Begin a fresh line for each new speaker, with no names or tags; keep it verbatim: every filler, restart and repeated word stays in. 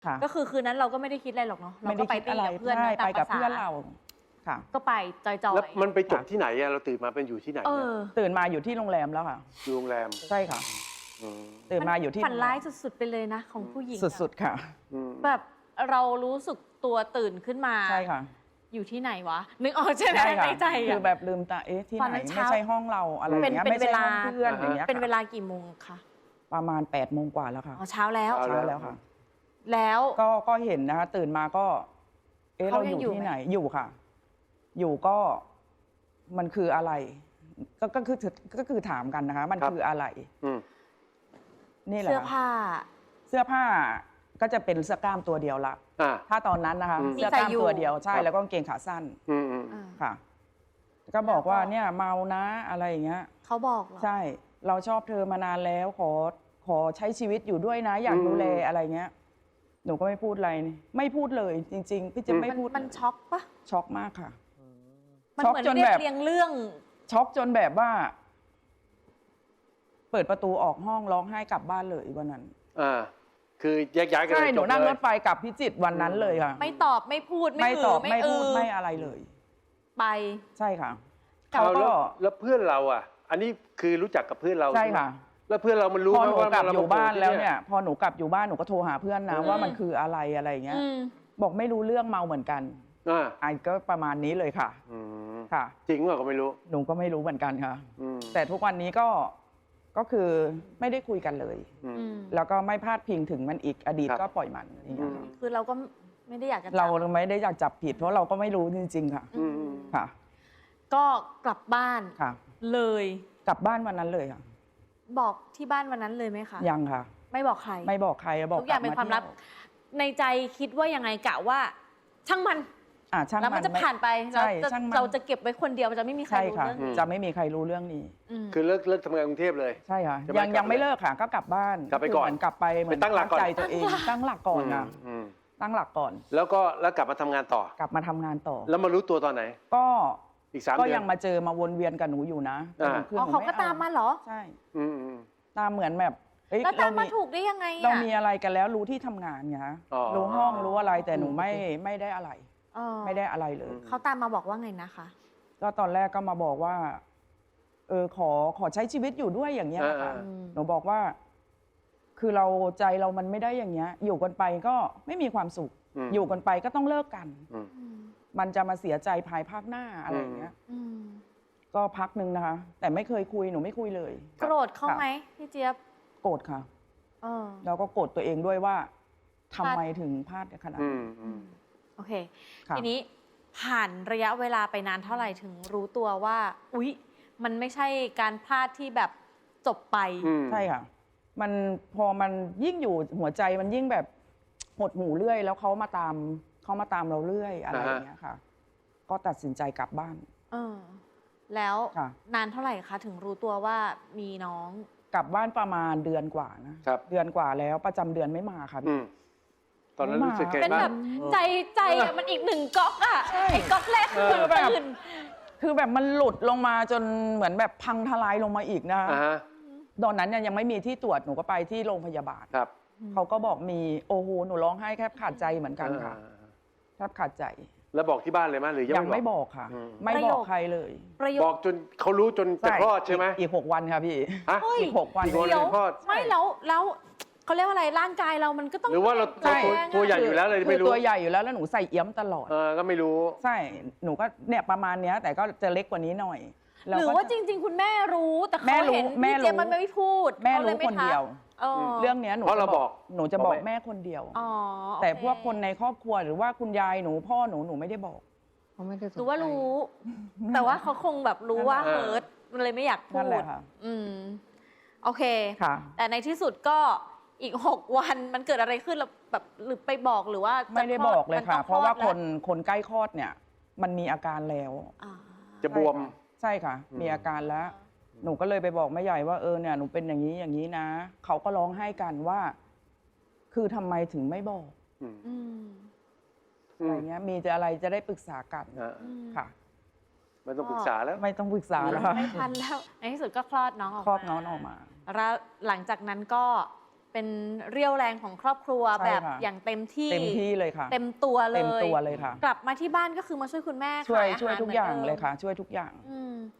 ก็คือคืนนั้นเราก็ไม่ได้คิดอะไรหรอกเนาะเราก็ไปตีกับเพื่อน
ไปกับเพื่อนเราค่ะ
ก็ไปจอยๆ
แล้วมันไปจบที่ไหนอะเราตื่นมาเป็นอยู่ที่ไหน
ตื่นมาอยู่ที่โรงแรมแล้วค่ะ
อยู่โรงแรม
ใช่ค่ะตื่นมาอยู่ที่
ฝันร้ายสุดๆไปเลยนะของผู้หญิง
สุดๆค่ะ
แบบเรารู้สึกตัวตื่นขึ้นมา
ใช่ค่ะ
อยู่ที่ไหนวะนึกออกใช่ไหมในใจ
คือแบบลืมตาเอ๊ะที่ไหนไม่ใช่ห้องเราอะไรอย่างเงี้ยไม่ใช่ห้องเพื่อนอย่างเงี้ย
เป็นเวลากี่โมงคะ
ประมาณแปดโมงกว่าแล้วค่ะ
อ๋อเช้าแล้ว
เช้าแล้วค่ะ
แล้ว
ก็ก็เห็นนะคะตื่นมาก็เอ๊ะเราอยู่ที่ไหนอยู่ค่ะอยู่ก็มันคืออะไรก็ก็คือก็คือถามกันนะคะมันคืออะไรนี่แหละ
เสื้อผ้า
เสื้อผ้าก็จะเป็นเสื้อกล้ามตัวเดียวละถ้าตอนนั้นนะคะเสื้อกล้ามตัวเดียวใช่แล้วก็กางเกงขาสั้นค่ะก็บอกว่าเนี่ยเมานะอะไรอย่างเงี้ย
เขาบอกเหรอ
ใช่เราชอบเธอมานานแล้วขอขอใช้ชีวิตอยู่ด้วยนะอยากดูแลอะไรเงี้ยหนูก็ไม่พูดอะไรไม่พูดเลยจริงๆพี่จะไม่พูด
มันช็อกปะ
ช็อกมากค่ะ
มันเหมือนเรียบเรียงเรื่อง
ช็อกจนแบบว่าเปิดประตูออกห้องร้องไห้กลับบ้านเลยวันนั้น
อ่าคือแยกย้ายกัน
ใช่หนูนั่งรถไฟกลับพิจิตรวันนั้นเลยค่ะ
ไม่ตอบไม่พูด
ไม่ตอบไม่พูดไม่อะไรเลย
ไป
ใช่ค่ะ
เขาก็แล้วเพื่อนเราอ่ะอันนี้คือรู้จักกับเพื่อนเรา
ใช่ค่ะ
แล้วเพื่อนเรามันรู้
พอหนูกลับอยู่บ้านแล้วเนี่ยพอหนูกลับอยู่บ้านหนูก็โทรหาเพื่อนนะว่ามันคืออะไรอะไรเงี้ยบอกไม่รู้เรื่องเมาเหมือนกันอ่าก็ประมาณนี้เลยค่ะค่ะ
จริงหรือก็ไม่รู้
หนูก็ไม่รู้เหมือนกันค่ะแต่ทุกวันนี้ก็ก็คือไม่ได้คุยกันเลยแล้วก็ไม่พลาดพิงถึงมันอีกอดีตก็ปล่อยมันอย่างเงี้ย
คือเราก็ไม่ได้อยากจะ
เราไม่ได้อยากจับผิดเพราะเราก็ไม่รู้จริงๆค่ะค่ะ
ก็กลับบ้าน
ค่ะ
เลย
กลับบ้านวันนั้นเลยค่ะ
บอกที่บ้านวันนั้นเลยไหมคะ
ยังค่ะ
ไม่บอกใคร
ไม่บอกใครบอก
ทุกอย่างเป็นความลับในใจคิดว่ายังไงกะว่าช่างมัน
อ่าช่างมัน
แล้วมันจะผ่านไปเราจะเราจะเก็บไว้คนเดียวจะไม่มีใครรู้เรื่อง
จะไม่มีใครรู้เรื่องนี้
คือเลิกเลิกทำงานกรุงเทพเลย
ใช่ค่ะยังยังไม่เลิกค่ะก็กลับบ้าน
กลับไปก่อน
กลับไปเหมือน
ตั้งหลักก่อน
ใจตัวเองตั้งหลักก่อนนะตั้งหลักก่อน
แล้วก็แล้วกลับมาทำงานต่อก
ลับมาทำงานต่อ
แล้วมารู้ตัวตอนไหน
ก็
อีกสามเดือน
ก็ยังมาเจอมาวนเวียนกับหนูอยู่นะ
อ๋อเขาก็ตามมาเหรอ
ใช่ตามเหมือนแบบ
แล้วตามมาถูกได้ยังไง
เรามีอะไรกันแล้วรู้ที่ทำงานไงฮะรู้ห้องรู้อะไรแต่หนูไม่ไม่ได้อะไรไม่ได้อะไรเลย
เขาตามมาบอกว่าไงนะคะ
ก็ตอนแรกก็มาบอกว่าเออขอขอใช้ชีวิตอยู่ด้วยอย่างเงี้ยค่ะหนูบอกว่าคือเราใจเรามันไม่ได้อย่างเงี้ยอยู่กันไปก็ไม่มีความสุขอยู่กันไปก็ต้องเลิกกันมันจะมาเสียใจภายภาคหน้าอะไรอย่างเงี้ยก็พักนึงนะคะแต่ไม่เคยคุยหนูไม่คุยเลย
โกรธเขาไหมพี่เจี๊ยบ
โกรธค่ะแล้วก็โกรธตัวเองด้วยว่าทำไมถึงพลาดขนาดนี้
โอเคทีนี้ผ่านระยะเวลาไปนานเท่าไหร่ถึงรู้ตัวว่าอุ๊ยมันไม่ใช่การพลาดที่แบบจบไป
ใช่ค่ะมันพอมันยิ่งอยู่หัวใจมันยิ่งแบบหดหูเรื่อยแล้วเขามาตามเขามาตามเราเรื่อยอะไรอย่างเงี้ยค่ะก็ตัดสินใจกลับบ้าน
เออแล้วนานเท่าไหร่คะถึงรู้ตัวว่ามีน้อง
กลับบ้านประมาณเดือนกว่านะเดือนกว่าแล้วประจำเดือนไม่มาค่ะพี่
ตอนนั้นรู้สึกไงบ้าง
เป็นแบบใจใจมันอีกหนึ่งก๊อกอ่ะไอ้ก๊อกแรกคือแบบ
คือแบบมันหลุดลงมาจนเหมือนแบบพังทลายลงมาอีกนะตอนนั้นเนี่ยยังไม่มีที่ตรวจหนูก็ไปที่โรงพยาบาลเขาก็บอกมีโอ้โหหนูร้องไห้แทบขาดใจเหมือนกันค่ะแทบขาดใจ
แล้วบอกที่บ้านเลยไหมหรือ
ยังไม่บอกค่ะไม่บอกใครเลย
บอกจนเขารู้จนจะคลอดใช่ไหม
อีกหกวันค่ะพี่อีกหกวัน
เดียว
ไม่แล้วแล้วเขาเรียกว่าอะไรร่างกายเรามันก็ต้อง
หรือว่าเราตัวใหญ่อยู่แล้วเลยไม่รู้
ตัวใหญ่อยู่แล้วแล้วหนูใส่เอี้ยมตลอด
เออก็ไม่รู้
ใช่หนูก็เนี่ยประมาณเนี้ยแต่ก็จะเล็กกว่านี้หน่อย
หรือว่าจริงๆคุณแม่รู้แต่เขาเห็นพี่เจี๊ยบมันไม่พูด
แม่รู้คนเดียวเรื่องนี้หนูจะบอกหนูจะบอกแม่คนเดียวแต่พวกคนในครอบครัวหรือว่าคุณยายหนูพ่อหนูหนูไม่ได้บอก
หรือว่ารู้แต่ว่าเขาคงแบบรู้ว่าเฮิร์ตมันเลยไม่อยากพูดอืมโอเคแต่ในที่สุดก็อีกหกวันมันเกิดอะไรขึ้นเราแบบหรือไปบอกหรือว่า
ไม่ได้บอกเลยค่ะเพราะว่าคนคนใกล้คลอดเนี่ยมันมีอาการแล้ว
จะบวม
ใช่ค่ะมีอาการแล้วหนูก็เลยไปบอกแม่ใหญ่ว่าเออเนี่ยหนูเป็นอย่างนี้อย่างนี้นะเขาก็ร้องไห้กันว่าคือทำไมถึงไม่บอกอะไรเงี้ยมีจะอะไรจะได้ปรึกษากันค่ะ
ไม่ต้องปรึกษาแล้ว
ไม่ต้องปรึกษาแล้ว
ไม่ทันแล้วในที่สุดก็คลอดน้องออกมา
คลอดน้องออกมา
แล้วหลังจากนั้นก็เป็นเรี่ยวแรงของครอบครัว
ใช่
แบบ
ค่ะ
อย่างเต็มที่
เต็มที่เลยค่ะ
เต็มตัวเล
เต็ม
ย
ตัวเลยค่ะ
กลับมาที่บ้านก็คือมาช่วยคุณแม่
ช่วย
ขายอา
ช่วย
หาร
ทุก
หมืน
อย่าง
ดิม
เลยค่ะ ช่วยทุกอย่าง
อืม